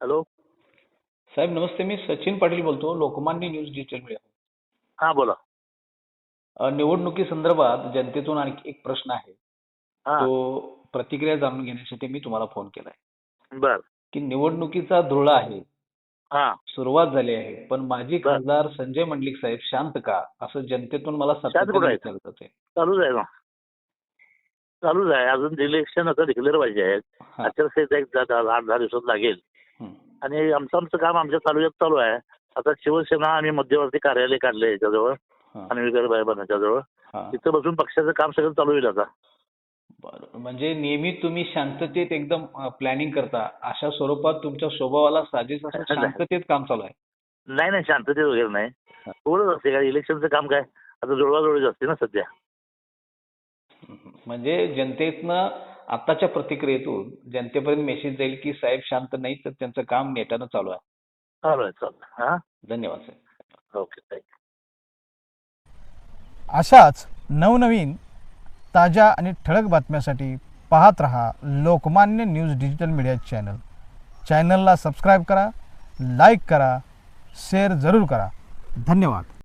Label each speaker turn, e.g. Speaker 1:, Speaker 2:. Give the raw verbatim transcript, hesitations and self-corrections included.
Speaker 1: Hello.
Speaker 2: साहेब नमस्ते. मी सचिन पाटील बोलतो, लोकमान्य न्यूज डिजिटल मीडिया.
Speaker 1: हा बोला.
Speaker 2: अ, निवडणुकीसंदर्भात जनतेतून आणखी एक प्रश्न आहे.
Speaker 1: हा.
Speaker 2: तो प्रतिक्रिया जाणून घेण्यासाठी मी तुम्हाला फोन केलाय,
Speaker 1: बर.
Speaker 2: की निवडणुकीचा धुरळा आहे,
Speaker 1: हा.
Speaker 2: सुरुवात झाली आहे, पण माजी
Speaker 1: बर.
Speaker 2: खासदार संजय मंडलिक साहेब शांत का, असं जनतेतून मला
Speaker 1: शांत
Speaker 2: सातत्याने
Speaker 1: कुठं आहेत?
Speaker 2: विचारलं जातंय.
Speaker 1: चालूच आहे ना. चालूच आहे. अजून इलेक्शन आता डिक्लेअर व्हायचे आहेत.
Speaker 2: हा.
Speaker 1: आचारसंहिता एक दहा दहा- आठ दहा दिवसात लागेल.
Speaker 2: हं.
Speaker 1: आणि आमचं आमचं काम आमच्या तालुक्यात चालू आहे. आता शिवसेना आम्ही मध्यवर्ती कार्यालय काढले याच्याजवळ
Speaker 2: हा.
Speaker 1: आणि वगैरे बनाच्या जवळ
Speaker 2: हा.
Speaker 1: तिथं बसून पक्षाचं काम सगळं चालू होईल आता.
Speaker 2: बरं. म्हणजे नेहमी तुम्ही शांततेत एकदम प्लॅनिंग करता, अशा स्वरूपात तुमच्या स्वभावाला साजेस असं शांततेत काम चालू आहे.
Speaker 1: नाही नाही शांततेत वगैरे नाही.
Speaker 2: हा.
Speaker 1: थोडंच असते काय इलेक्शनचं काम काय आता जुळवाजुळवीच असते ना सध्या.
Speaker 2: म्हणजे जनतेतनं आताच्या प्रतिक्रियेतून जनतेपर्यंत मेसेज जाईल की साहेब शांत नाही, तर त्यांचं काम नेटानं चालू आहे.
Speaker 1: चालू आहे चालू आहे. हा.
Speaker 2: धन्यवाद साहेब.
Speaker 1: Okay thank you.
Speaker 3: अशाच नवनवीन ताज्या आणि ठळक बातम्यासाठी पाहत रहा Lokmanya news digital media channel. चॅनलला सबस्क्राईब करा, लाईक करा, शेअर जरूर करा. धन्यवाद.